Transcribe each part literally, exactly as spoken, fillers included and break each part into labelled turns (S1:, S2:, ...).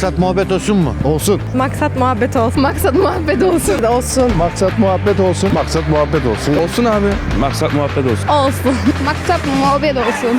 S1: Maksat muhabbet olsun mu?
S2: Olsun.
S3: Maksat muhabbet olsun.
S4: Maksat muhabbet olsun.
S3: Olsun.
S2: Maksat muhabbet olsun. Maksat muhabbet olsun.
S5: Olsun abi. Maksat muhabbet olsun.
S3: Olsun.
S4: Maksat muhabbet olsun.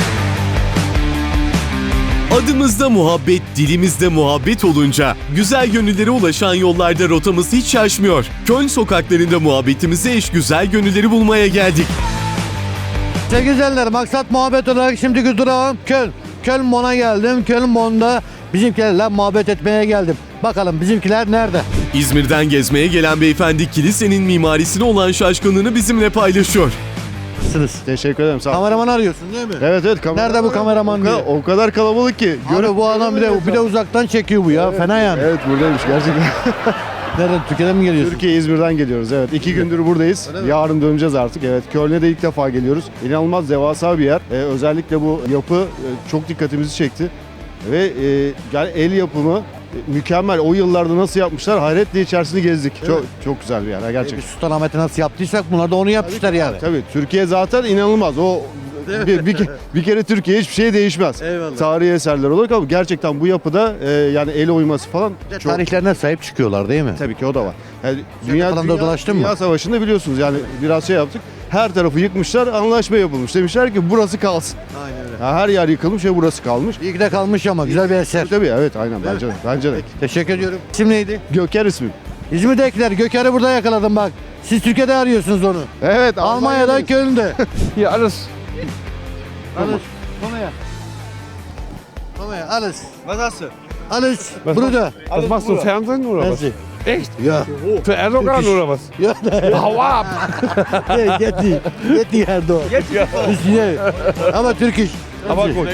S6: Adımızda muhabbet, dilimizde muhabbet olunca güzel gönüllere ulaşan yollarda rotamız hiç şaşmıyor. Köln sokaklarında muhabbetimize eş güzel gönülleri bulmaya geldik.
S1: Sevgili izleyenler, maksat muhabbet olarak şimdiki durağım Köln. Köln Bon'a geldim. Köln Bon'da bizimkilerle muhabbet etmeye geldim. Bakalım bizimkiler nerede?
S6: İzmir'den gezmeye gelen beyefendi kilisenin mimarisine olan şaşkınlığını bizimle paylaşıyor.
S1: Nasılsınız?
S2: Teşekkür ederim. Sağ ol.
S1: Kameraman arıyorsun değil mi?
S2: Evet evet. Kameraman.
S1: Nerede bu kameraman
S2: O kadar,
S1: diye?
S2: o kadar kalabalık ki.
S1: Abi bu adam bir de, bir de uzaktan çekiyor bu ya. Fena yani.
S2: Evet buradaymış gerçekten.
S1: Nereden? Türkiye'den mi geliyorsun?
S2: Türkiye İzmir'den geliyoruz evet. İki gündür buradayız.
S1: Öyle mi?
S2: Yarın döneceğiz artık. Evet. Köln'e de ilk defa geliyoruz. İnanılmaz devasa bir yer. Ee, özellikle bu yapı e, çok dikkatimizi çekti. Ve e, yani el yapımı e, mükemmel. O yıllarda nasıl yapmışlar? Hayretle içerisini gezdik.
S1: Evet.
S2: Çok çok güzel bir yer ha,
S1: E,
S2: gerçekten.
S1: biz Sultanahmet'i nasıl yaptıysak bunlar da onu yapmışlar yani.
S2: Tabii Türkiye zaten inanılmaz. O bir, bir, ke- bir kere Türkiye hiçbir şey değişmez.
S1: Eyvallah.
S2: Tarihi eserler olarak ama gerçekten bu yapıda e, yani el oyması falan çok
S1: Tarihlerine sahip çıkıyorlar değil mi?
S2: tabii ki o da var. Yani
S1: Sen de falan da dolaştın
S2: dünya
S1: mı?
S2: Savaşı'nda biliyorsunuz yani biraz şey yaptık. Her tarafı yıkmışlar, anlaşma yapılmış. Demişler ki burası kalsın.
S1: Aynen öyle.
S2: Ha, her yer yıkılmış ve burası kalmış.
S1: İyi ki de kalmış ama güzel bir eser.
S2: Tabii evet aynen bence de. Bence de.
S1: Teşekkür ediyorum. İsim neydi?
S2: Göker ismi.
S1: İzmir'dekiler Göker'i burada yakaladım bak. Siz Türkiye'de arıyorsunuz onu.
S2: Evet
S1: Almanya'da
S2: Almanya'dayız.
S1: Köln'de.
S5: Hier alles.
S1: Alles. Komm her. Komm her, alles.
S5: Was hast du?
S1: Alles.
S5: Was
S1: Bruder.
S5: Was machst du, Fernsehen oder was?
S1: Merci.
S5: Echt?
S1: Ja.
S5: Für Erdogan oder was?
S1: Ja,
S5: Hau ab!
S1: hey, get die. Get die Erdoğan. Ist hier. Aber Türkisch.
S5: Aber gut.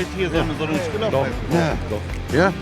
S1: Ja. Ja.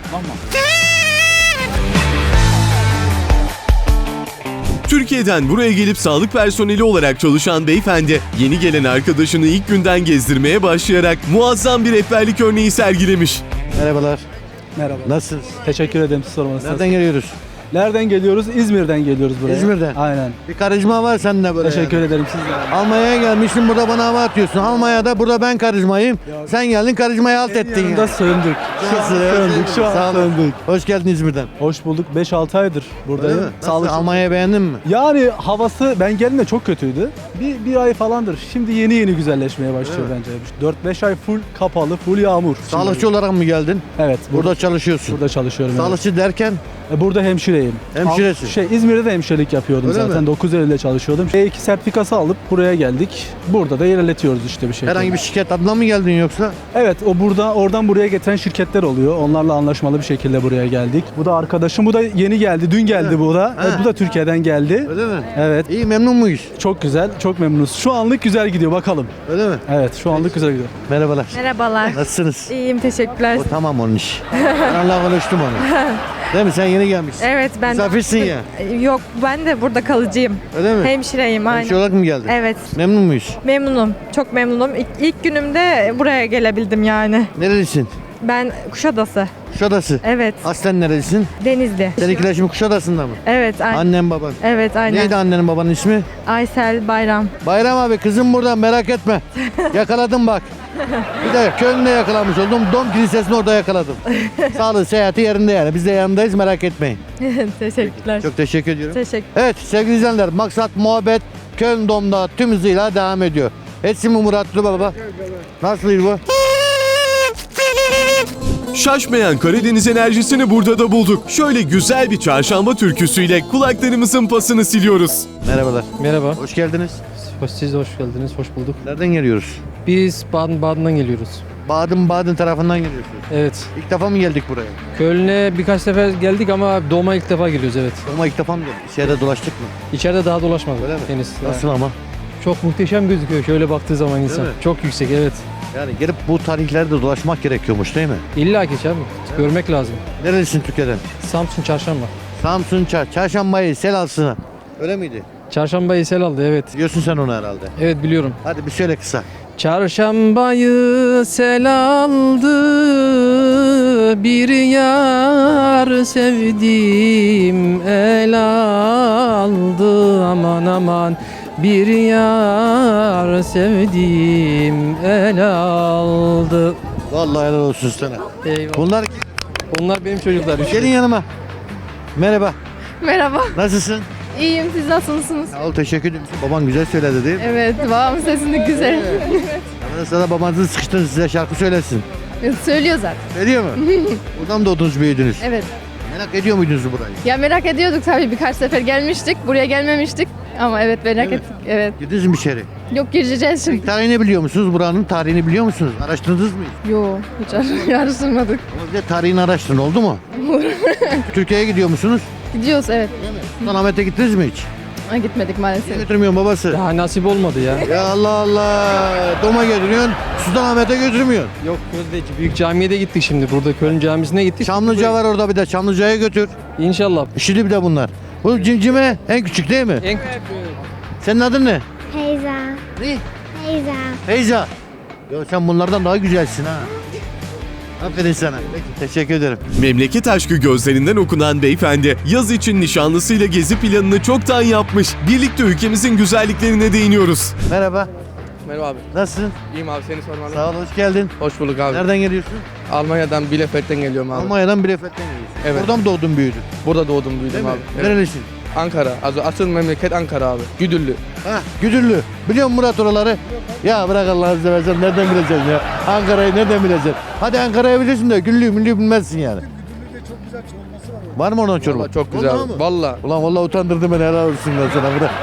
S6: Türkiye'den buraya gelip sağlık personeli olarak çalışan beyefendi yeni gelen arkadaşını ilk günden gezdirmeye başlayarak muazzam bir rehberlik örneği sergilemiş.
S1: Merhabalar.
S7: Merhaba.
S1: Nasılsınız?
S7: Teşekkür ederim siz sormanız.
S1: Nereden geliyoruz?
S7: Nereden geliyoruz? İzmir'den geliyoruz buraya.
S1: İzmir'den.
S7: Aynen.
S1: Bir karizma var sende böyle.
S7: Teşekkür
S1: yani.
S7: ederim siz de.
S1: Almanya'ya gelmişsin, burada bana hava atıyorsun. Almanya'da burada ben karizmayım. Sen geldin karizmayı alt ettin
S7: Yanında
S1: ya.
S7: söndük. Şu an söndük. Şu
S1: Sağ
S7: an
S1: olun.
S7: söndük.
S1: Hoş geldin İzmir'den.
S7: Hoş bulduk. beş altı aydır
S1: Öyle
S7: buradayım.
S1: mi? Nasıl,
S7: Sağlık.
S1: Almanya'yı beğendin mi?
S7: Yani havası ben geldiğimde çok kötüydü. Bir, bir ay falandır. Şimdi yeni yeni güzelleşmeye başlıyor bence. dört beş ay full kapalı, full yağmur.
S1: Sağlıkçı olarak mı geldin?
S7: Evet.
S1: Burada
S7: Burada,
S1: çalışıyorsun.
S7: burada çalışıyorum. evet.
S1: Sağlıkçı derken
S7: E, Burada hemşireyim.
S1: Hemşiresin.
S7: Al- Şey İzmir'de de hemşirelik yapıyordum
S1: Öyle
S7: zaten.
S1: mi?
S7: dokuz Eylül'de çalışıyordum. E iki sertifikası alıp buraya geldik. Burada da ilerletiyoruz işte bir şekilde.
S1: herhangi bir şirket adına mı geldin yoksa?
S7: Evet, o burada oradan buraya getiren şirketler oluyor. Onlarla anlaşmalı bir şekilde buraya geldik. Bu da arkadaşım. Bu da yeni geldi. Dün geldi bu da.
S1: Ha.
S7: Evet, bu da Türkiye'den geldi.
S1: Öyle mi?
S7: Evet.
S1: İyi, memnun muyuz?
S7: Çok güzel. Çok memnunuz. Şu anlık güzel gidiyor bakalım.
S1: Öyle mi?
S7: Evet, şu anlık güzel gidiyor.
S1: Merhabalar.
S3: Merhabalar.
S1: Nasılsınız?
S3: İyiyim teşekkürler.
S1: O tamam onun iş. Ben Allah'a konuştum onu. Değil mi? Sen yeni gelmişsin.
S3: Evet ben
S1: Misafirsin ya.
S3: Yok ben de burada kalıcıyım.
S1: Öyle mi?
S3: Hemşireyim aynen.
S1: Hemşire olarak mı geldin?
S3: Evet
S1: Memnun muyuz?
S3: memnunum. Çok memnunum. İlk, ilk günümde buraya gelebildim yani.
S1: Nerelisin?
S3: Ben Kuşadası.
S1: Kuşadası.
S3: Evet.
S1: Aslen nerelisin?
S3: Denizli.
S1: Seninkiler şimdi Kuşadası'nda mı?
S3: Evet aynen.
S1: Annen baban.
S3: Evet aynen.
S1: Neydi annenin babanın ismi?
S3: Aysel Bayram.
S1: Bayram abi, kızım buradan, merak etme. Yakaladım bak. Bir de Köln'de yakalamış oldum. Dom Kilisesi'ni orada yakaladım. Sağlığı, seyahati yerinde yani. Biz de yanındayız, merak etmeyin.
S3: Teşekkürler.
S1: Çok teşekkür ediyorum.
S3: Teşekkür.
S1: Evet sevgili izleyenler, maksat muhabbet Köln Dom'da tüm hızıyla devam ediyor. Etsin mi Muratlı baba? Nasıl bu?
S6: Şaşmayan Karadeniz enerjisini burada da bulduk. Şöyle güzel bir çarşamba türküsüyle kulaklarımızın pasını siliyoruz.
S1: Merhabalar.
S8: Merhaba,
S1: Hoş geldiniz.
S8: hoş, siz de hoş geldiniz, hoş bulduk.
S1: Nereden geliyoruz?
S8: Biz Baden-Baden'dan geliyoruz.
S1: Baden-Baden tarafından geliyorsunuz.
S8: Evet,
S1: İlk defa mı geldik buraya?
S8: Köln'e birkaç sefer geldik ama Dom'a ilk defa geliyoruz, evet.
S1: Ama ilk defa mı geldik? İçeride dolaştık mı?
S8: İçeride daha dolaşmadık
S1: Öyle mi?
S8: henüz.
S1: Nasıl ama?
S8: Çok muhteşem gözüküyor şöyle baktığı zaman insan.
S1: mi?
S8: Çok yüksek, evet.
S1: Yani gelip bu tarihlerde dolaşmak gerekiyormuş değil mi?
S8: İlla ki abi, görmek lazım.
S1: Nerelisin Türkiye'den?
S8: Samsun Çarşamba.
S1: Samsun Çar, Çarşambayı sel alsın. Öyle miydi?
S8: Çarşambayı sel aldı, evet.
S1: Biliyorsun sen onu herhalde.
S8: Evet biliyorum.
S1: Hadi bir söyle kısa.
S8: Çarşambayı sel aldı, bir yar sevdim el aldı, aman aman. Bir yar sevdim el aldı.
S1: Vallahi helal olsun sana.
S8: Eyvallah.
S1: Bunlar
S8: Onlar benim çocuklar. Üç.
S1: Gelin yanıma. Merhaba.
S4: Merhaba.
S1: Nasılsın?
S4: İyiyim, siz nasılsınız?
S1: Sağ ol, teşekkür ederim. Baban güzel söyledi değil mi?
S4: Evet, babamın sesini güzel.
S1: Ben de sana babanızı sıkıştırın, size şarkı söylesin.
S4: Söylüyor zaten.
S1: Söylüyor mu? Buradan mı doğdunuz, büyüdünüz?
S4: Evet.
S1: Merak ediyor muydunuz burayı?
S4: Ya merak ediyorduk tabii, birkaç sefer gelmiştik. Buraya gelmemiştik. Ama evet merak
S1: Evet.
S4: ettik. Evet.
S1: Girdiniz mi içeri?
S4: Yok, gireceğiz şimdi.
S1: Tarihini biliyor musunuz? Buranın tarihini biliyor musunuz? Araştırdınız mı?
S4: Yok, hiç ar- araştırmadık.
S1: Ama bir de tarihini araştırın, oldu mu? Türkiye'ye gidiyor musunuz?
S4: Gidiyoruz evet.
S1: Sultanahmet'e gittiniz mi hiç?
S4: Ha, gitmedik
S1: Niye
S4: maalesef.
S1: götürmüyorsun babası?
S8: Ya nasip olmadı ya.
S1: Ya Allah Allah. Doma götürüyorsun, Sultanahmet'e götürmüyorsun.
S8: Yok Gözde'ci büyük camiye de gittik şimdi. Burada Köln camisine gittik.
S1: Çamlıca var orada bir de. Çamlıca'ya götür.
S8: İnşallah.
S1: Şimdi bir de bunlar. Bu cimcime en küçük değil mi?
S8: En küçük.
S1: Senin adın ne?
S9: Feyza.
S1: Ne?
S9: Feyza.
S1: Feyza. Ya sen bunlardan daha güzelsin ha. Aferin sana. Peki, teşekkür ederim.
S6: Memleket aşkı gözlerinden okunan beyefendi yaz için nişanlısıyla gezi planını çoktan yapmış. Birlikte ülkemizin güzelliklerine değiniyoruz.
S1: Merhaba.
S5: Merhaba abi.
S1: Nasılsın?
S5: İyiyim abi seni sormalı.
S1: Sağ ol, hoş geldin.
S5: Hoş bulduk abi.
S1: Nereden geliyorsun?
S5: Almanya'dan Bielefeld'den geliyorum abi.
S1: Almanya'dan Bielefeld'den geliyorsun.
S5: Evet.
S1: Oradan mı doğdun, büyüdün?
S5: Burada doğdum
S1: Değil
S5: büyüdüm
S1: mi?
S5: abi. Evet.
S1: Nerelisin?
S5: Ankara. Az- Asıl memleket Ankara abi. Güdüllü.
S1: Ha, Güdüllü. Biliyor musun Murat oraları? Ya bırak Allah'ını seversen, nereden bileceksin ya? Ankara'yı nereden bileceksin? Hadi Ankara'yı bilirsin de Güllü'yü müllüyü bilmezsin yani. Güdüllü'de çok güzel çorbası var. Var mı onun çorba?
S5: Vallahi çok güzel.
S1: Vallahi mı?
S5: Valla.
S1: Ulan vallahi utandırdın beni, helal olsun ben sana, bırak.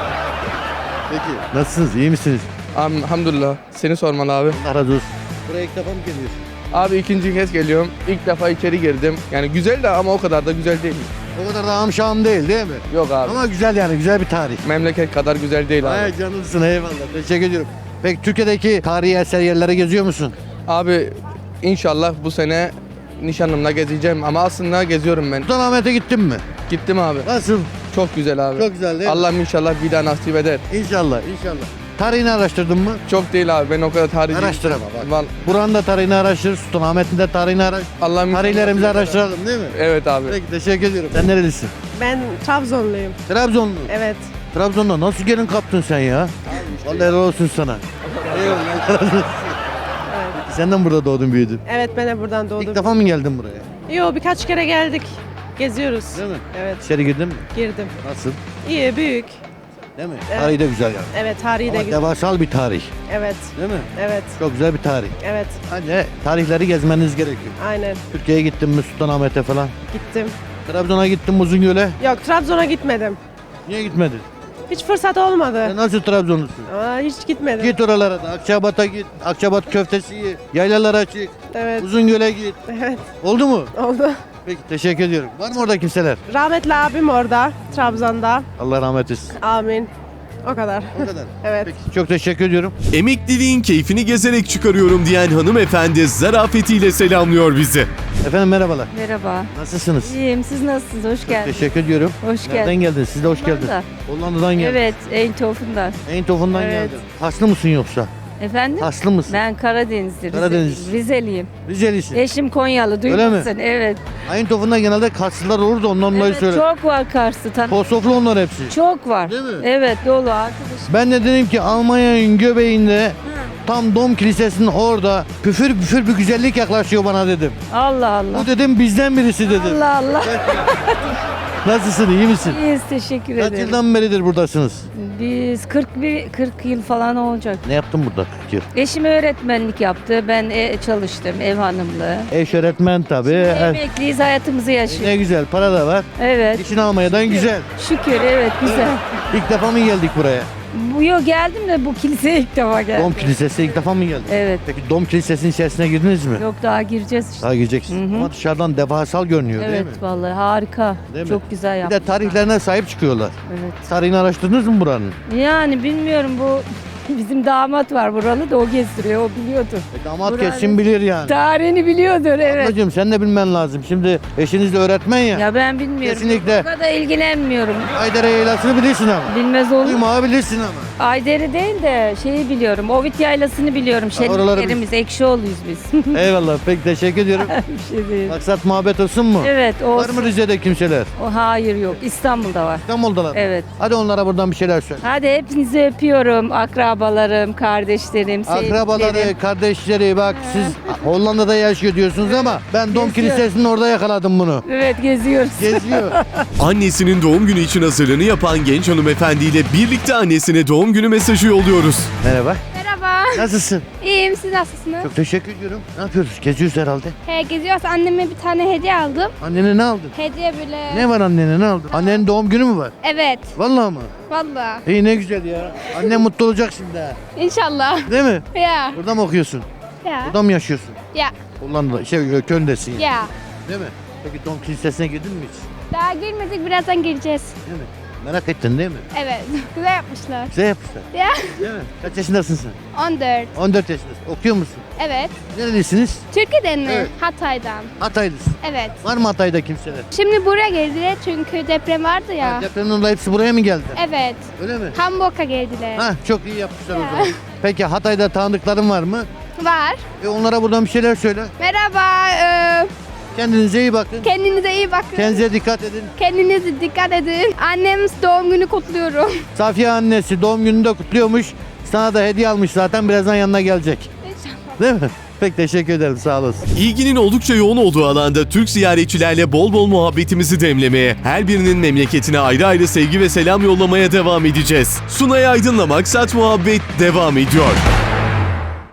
S1: Peki. Nasılsınız? İyi misiniz?
S5: Elhamdülillah. Seni sormalı abi.
S1: Allah razı olsun. Buraya ilk defa mı geliyorsun?
S5: Abi ikinci kez geliyorum. İlk defa içeri girdim. Yani güzel de ama o kadar da güzel değil.
S1: O kadar da amşam değil değil mi?
S5: Yok abi.
S1: Ama güzel yani, güzel bir tarih.
S5: Memleket kadar güzel değil abi.
S1: Ay canımsın, eyvallah. Teşekkür ediyorum. Peki Türkiye'deki tarihi eser yerlere geziyor musun?
S5: Abi inşallah bu sene nişanlımla gezeceğim ama aslında geziyorum ben.
S1: Sultanahmet'e gittin mi?
S5: Gittim abi.
S1: Nasıl?
S5: Çok güzel abi.
S1: Çok güzel değil mi?
S5: Allah'ım inşallah bir daha nasip eder.
S1: İnşallah, inşallah. Tarihini araştırdın mı?
S5: Çok değil abi ben o kadar tarih
S1: Araştır ama bak.
S5: Val-
S1: Buranın da tarihini araştır, Sultanahmet'in de tarihini araştır.
S5: Allah'ım inşallah-
S1: Tarihlerimizi araştıralım değil mi?
S5: Evet abi.
S1: Peki, teşekkür ediyorum. Sen nerelisin?
S3: Ben Trabzonluyum.
S1: Trabzonlu.
S3: Evet.
S1: Trabzon'da nasıl gelin kaptın sen ya? Vallahi helal olsun sana. Eyvallah. Sen de mi burada doğdun, büyüdün?
S3: Evet, ben de buradan doğdum.
S1: İlk defa mı geldin buraya?
S3: Yo, birkaç kere geldik. Geziyoruz.
S1: Değil mi?
S3: Evet,
S1: İçeri girdin mi?
S3: girdim.
S1: Nasıl?
S3: İyi, büyük.
S1: Değil mi?
S3: Evet.
S1: Tarihi de güzel yani.
S3: Evet, tarihi de
S1: Ama
S3: güzel.
S1: devasal bir tarih.
S3: Evet,
S1: Değil mi?
S3: evet,
S1: Çok güzel bir tarih.
S3: evet.
S1: Hani tarihleri gezmeniz gerekiyor.
S3: Aynen.
S1: Türkiye'ye gittin mi, Sultanahmet'e falan?
S3: Gittim.
S1: Trabzon'a gittin mi, Uzungöl'e?
S3: Yok, Trabzon'a gitmedim.
S1: Niye gitmedin?
S3: Hiç fırsat olmadı.
S1: Sen nasıl Trabzonlusun?
S3: Aa, hiç gitmedim.
S1: Git oralara da. Akçabat'a git. Akçabat köftesi ye. Yaylalara çık.
S3: Evet,
S1: Uzungöl'e git.
S3: evet.
S1: Oldu mu?
S3: Oldu.
S1: Peki, teşekkür ediyorum. Var mı orada kimseler?
S3: Rahmetli abim orada, Trabzon'da.
S1: Allah rahmet etsin.
S3: Amin. O kadar.
S1: O kadar.
S3: Evet.
S1: Peki, çok teşekkür ediyorum.
S6: Emekliliğin keyfini gezerek çıkarıyorum diyen hanımefendi zarafetiyle selamlıyor bizi.
S1: Efendim merhabalar.
S10: Merhaba.
S1: Nasılsınız?
S10: İyiyim. Siz nasılsınız? Hoş geldiniz.
S1: Teşekkür ediyorum.
S10: Hoş
S1: Nereden
S10: geldin.
S1: geldiniz? Siz de hoş geldiniz.
S10: Hollanda.
S1: Hollanda'dan geldin.
S10: Evet, Eindhoven'dan.
S1: Eindhoven'dan
S10: Evet.
S1: geldin. Haslı mısın yoksa?
S10: Efendim?
S1: Haslı mısın?
S10: Ben Karadenizli, Rize-
S1: Karadeniz.
S10: Rizeliyim.
S1: Rizelisin.
S10: Eşim Konyalı,
S1: Öyle mi?
S10: duymasın. Evet.
S1: Eindhoven'da genelde Karslılar olur da ondan dolayı
S10: Evet,
S1: söyle.
S10: çok var Kars'ta. Tan-
S1: Kosoflu onlar hepsi.
S10: çok var.
S1: Değil mi?
S10: Evet, dolu arkadaşım.
S1: Ben de dedim ki Almanya'nın göbeğinde tam Dom Kilisesi'nin orada püfür püfür bir güzellik yaklaşıyor bana dedim.
S10: Allah Allah.
S1: Bu dedim bizden birisi dedim.
S10: Allah Allah.
S1: Nasılsın, iyi misin?
S10: İyiyiz, teşekkür
S1: Kaç
S10: ederim.
S1: yıldan beridir buradasınız?
S10: Biz kırk bir kırk yıl falan olacak.
S1: Ne yaptın burada kırk yıl?
S10: Eşim öğretmenlik yaptı. Ben e, çalıştım, ev hanımlığı.
S1: Eş öğretmen tabii. Her-
S10: Emekliyiz, hayatımızı yaşıyoruz.
S1: Ne güzel, para da var.
S10: Evet.
S1: İşin Almanya'dan güzel.
S10: Şükür, evet, güzel.
S1: İlk defa mı geldik buraya?
S10: Bu yok geldim de bu kiliseye ilk defa geldim.
S1: Dom Kilisesi ilk defa mı geldik?
S10: Evet.
S1: Peki Dom Kilisesi'nin içerisine girdiniz mi?
S10: Yok, daha gireceğiz işte.
S1: Daha gireceksin.
S10: Hı hı.
S1: Ama dışarıdan devasal görünüyor değil
S10: Evet,
S1: mi?
S10: vallahi harika.
S1: Değil mi?
S10: Çok güzel
S1: Bir
S10: yapmışlar.
S1: de tarihlerine sahip çıkıyorlar.
S10: Evet.
S1: Tarihini araştırdınız mı buranın?
S10: Yani bilmiyorum, bu bizim damat var buralı da o gezdiriyor, o biliyordur.
S1: E, damat
S10: Buranın-
S1: kesin bilir yani.
S10: Tarihini biliyordur, evet.
S1: Ablacığım sen de bilmen lazım. Şimdi eşiniz de öğretmen ya.
S10: Ya ben bilmiyorum.
S1: Kesinlikle.
S10: O kadar ilgilenmiyorum.
S1: Aydere Yaylası'nı bilirsin ama.
S10: Bilmez olur.
S1: Uyumağı bilirsin ama.
S10: Ayder'i değil de şeyi biliyorum. Ovid Yaylası'nı biliyorum.
S1: oraları
S10: Şenliklerimiz, Ekşioğlu'yuz biz.
S1: Eyvallah, peki teşekkür ediyorum.
S10: Bir şey değil.
S1: Maksat muhabbet olsun mu?
S10: Evet, o.
S1: Var mı Rize'de kimseler?
S10: O hayır yok. İstanbul'da var.
S1: İstanbul'dalar mı?
S10: Evet.
S1: Hadi onlara buradan bir şeyler söyle.
S10: Hadi hepinizi öpüyorum. Akrabalarım, kardeşlerim, sevdiklerim.
S1: Akrabaları, kardeşleri bak siz Hollanda'da yaşıyor diyorsunuz ama ben Dom
S10: Geziyor.
S1: Kilisesi'nin orada yakaladım bunu.
S10: Evet geziyoruz.
S1: Geziyor.
S6: Annesinin doğum günü için hazırlığını yapan genç hanımefendiyle birlikte annesine doğum günü mesajı yolluyoruz.
S1: Merhaba.
S9: Merhaba.
S1: Nasılsın?
S9: İyiyim, siz nasılsınız?
S1: Çok teşekkür ediyorum. Ne yapıyoruz? Geziyoruz herhalde.
S9: He, geziyoruz. Anneme bir tane hediye aldım.
S1: Annene ne aldın?
S9: Hediye böyle.
S1: Ne var annene ne aldın? Annenin doğum günü mü var?
S9: Evet.
S1: Vallahi mı?
S9: Vallahi.
S1: İyi ne güzel ya. Annem mutlu olacak şimdi ha.
S9: İnşallah.
S1: Değil mi?
S9: Ya.
S1: Burada mı okuyorsun?
S9: Ya.
S1: Burada mı yaşıyorsun?
S9: Ya.
S1: Hollanda'da, şey Köln'desin yani.
S9: Ya.
S1: Değil mi? Peki Dom Kilisesi'ne girdin mi hiç?
S9: Daha girmedik, birazdan gireceğiz.
S1: Değil mi? Merak ettin değil mi?
S9: Evet. Güzel yapmışlar.
S1: Güzel yapmışlar.
S9: Ya.
S1: Değil mi? Kaç yaşındasın sen?
S9: on dört.
S1: on dört yaşındasın. Okuyor musun?
S9: Evet.
S1: Nerelisiniz?
S9: Türkiye'den mi?
S1: Evet.
S9: Hatay'dan.
S1: Hataylısın.
S9: Evet.
S1: Var mı Hatay'da kimseler?
S9: Şimdi buraya geldiler çünkü deprem vardı ya.
S1: Ha, depremin oldu hepsi buraya mı geldi?
S9: Evet.
S1: Öyle mi?
S9: Hamburg'a geldiler.
S1: Ha, çok iyi yapmışlar o
S9: Ya.
S1: zaman. Peki Hatay'da tanıdıkların var mı?
S9: Var.
S1: E onlara buradan bir şeyler söyle.
S9: Merhaba. Ee,
S1: Kendinize iyi bakın.
S9: kendinize iyi bakın.
S1: Kendinize dikkat edin.
S9: Kendinize dikkat edin. Annem doğum günü kutluyorum.
S1: Safiye annesi doğum gününü de kutluyormuş. Sana da hediye almış zaten. Birazdan yanına gelecek.
S9: İnşallah.
S1: Değil mi? Pek teşekkür ederim. Sağ olasın.
S6: İlginin oldukça yoğun olduğu alanda Türk ziyaretçilerle bol bol muhabbetimizi demlemeye, her birinin memleketine ayrı ayrı sevgi ve selam yollamaya devam edeceğiz. Sunay Aydın'la Maksat Muhabbet devam ediyor.